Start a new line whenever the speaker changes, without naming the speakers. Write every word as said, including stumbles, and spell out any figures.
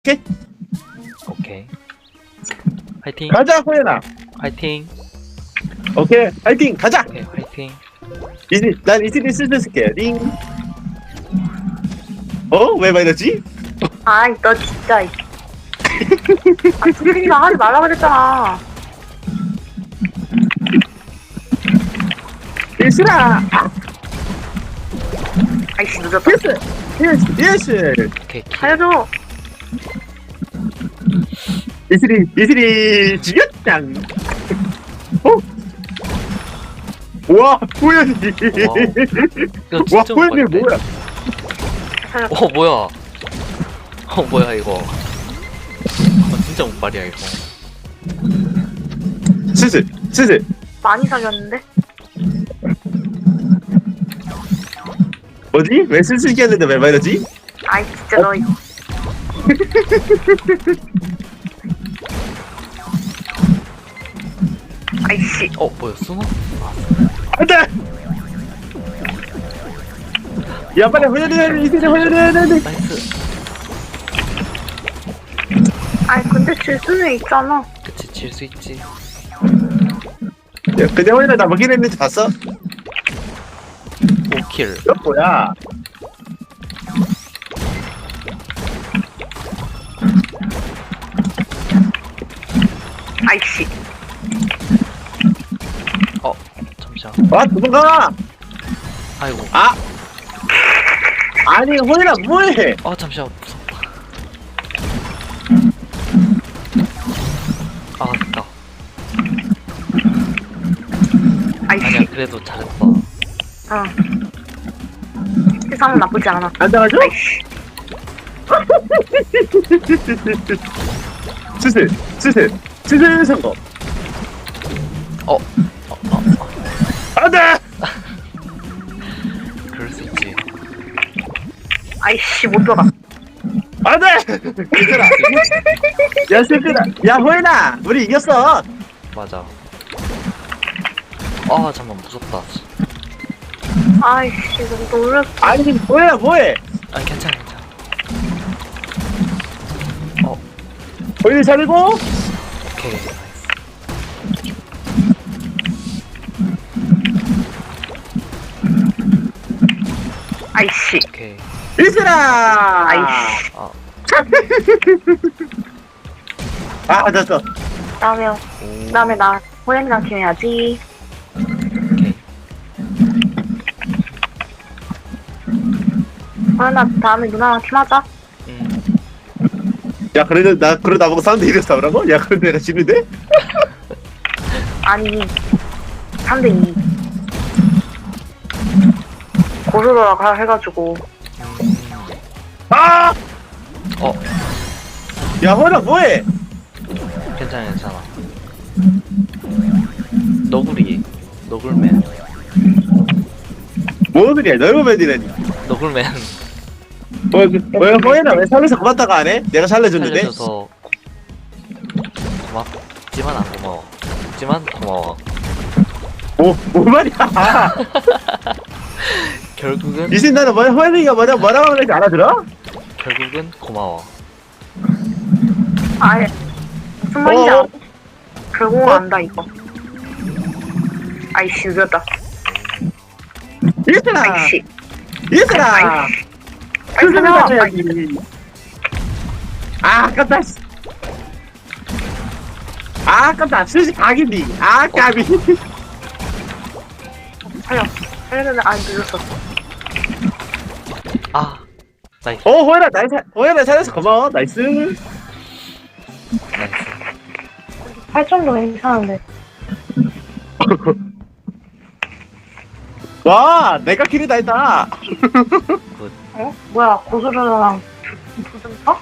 오케이?
오케이. 화이팅.
가자, 호연아.
화이팅.
오케이, 화이팅, 가자.
오케이, 화이팅.
이제 난 이슬이 슬슬 쓸게. 링. 어? 왜 말이지?
아이 너 진짜 아 스크린만 하지 말라 그랬잖아.
이슬아.
아이씨 늦었다.
예스, 예스, 예스.
오케이, 키.
살려줘.
이슬이, 이슬이 지겼짱. 어? 와, 호연이.
이거
와,
진짜
호연이
못봤네.
뭐야?
살려줘.
어, 뭐야. 어, 뭐야, 이거. 어, 진짜 못발이야, 이거.
슬슬, 슬슬.
많이 사귀었는데?
뭐지? 왜 슬슬 끼었는데 왜 말이지?
아이 진짜 너 이거. 아이씨.
어, 뭐야, 수노?
안 돼! 야, 빨리 호연이, 호연이, 이슬이 호연이, 호연이.
나이스.
아이 근데 질 수는 있잖아.
그치, 질 수 있지.
야, 근데 호연이 나 먹긴 했는지 봤어?
오 킬.
이거 뭐야?
아이씨.
어, 잠시만.
아, 도망가!
아이고.
아! 아니, 호연아, 뭐해?
어, 잠시만. 무섭다. 아, 됐다. 아니야,
아이씨.
그래도 잘했어.
어. 세상은 나쁘지 않아.
안 당하죠?
아이씨.
슬슬, 슬슬, 슬슬 성공.
어, 어, 어, 어.
안 돼!
그럴 수 있지.
아이씨 못 들어가.
안 돼! 얘들아. 야, 슬슬아. 야, 호연아, 우리 이겼어.
맞아. 아, 잠깐 무섭다.
아이씨 너무 놀랐어.
아니, 호연아, 뭐해?
아니, 괜찮아, 괜찮아. 어,
호연이 잘리고.
오케이. 나이스.
아이씨.
오케이.
이슬아!
아이씨.
아,
아, 됐어.
다음에
오.
다음에 나 호연이랑 팀해야지.
오케이.
호연아 다음에 누나랑 팀하자.
음.
야, 그래도 나, 그러다 보고 사운드 이래서 싸우라고? 야, 그런데 내가 지는데?
아니 삼 대 이. 고르더라 해가지고.
아!
어,
야, 호연아, 뭐해?
괜찮아, 괜찮아. 너구리. 너굴맨.
뭔 소리야, 너무맨이라니.
너굴맨.
뭐, 왜, 호연아, 왜 살려서 고맙다고 안 해? 내가 살려줬는데?
살려줘서 고맙지만 안 고마워. 지만 고마워.
뭐, 뭐 말이야?
결국은
이신 나는 뭐야, 호연이가 뭐냐, 뭐라고 하는지 알아들어?
결국은 고마워.
아예 무슨 말인지
어?
알아. 결국은 안다 이거. 아이씨 늦었다.
이슬아!
아이씨.
이슬아!
아이씨.
그 소리
아이씨.
맞춰야지. 아, 아깝다, 씨. 아, 아깝다. 수시 각인디. 아, 까비.
살려. 살려면 안 늦었어.
아, 나이스.
어, 호연아, 날 살, 호연아 살려서 고마워. 나이스.
나이스.
할 정도 괜찮은데.
와, 내가 킬이다 했다.
굿.
어? 뭐야 고수르랑 무슨 터?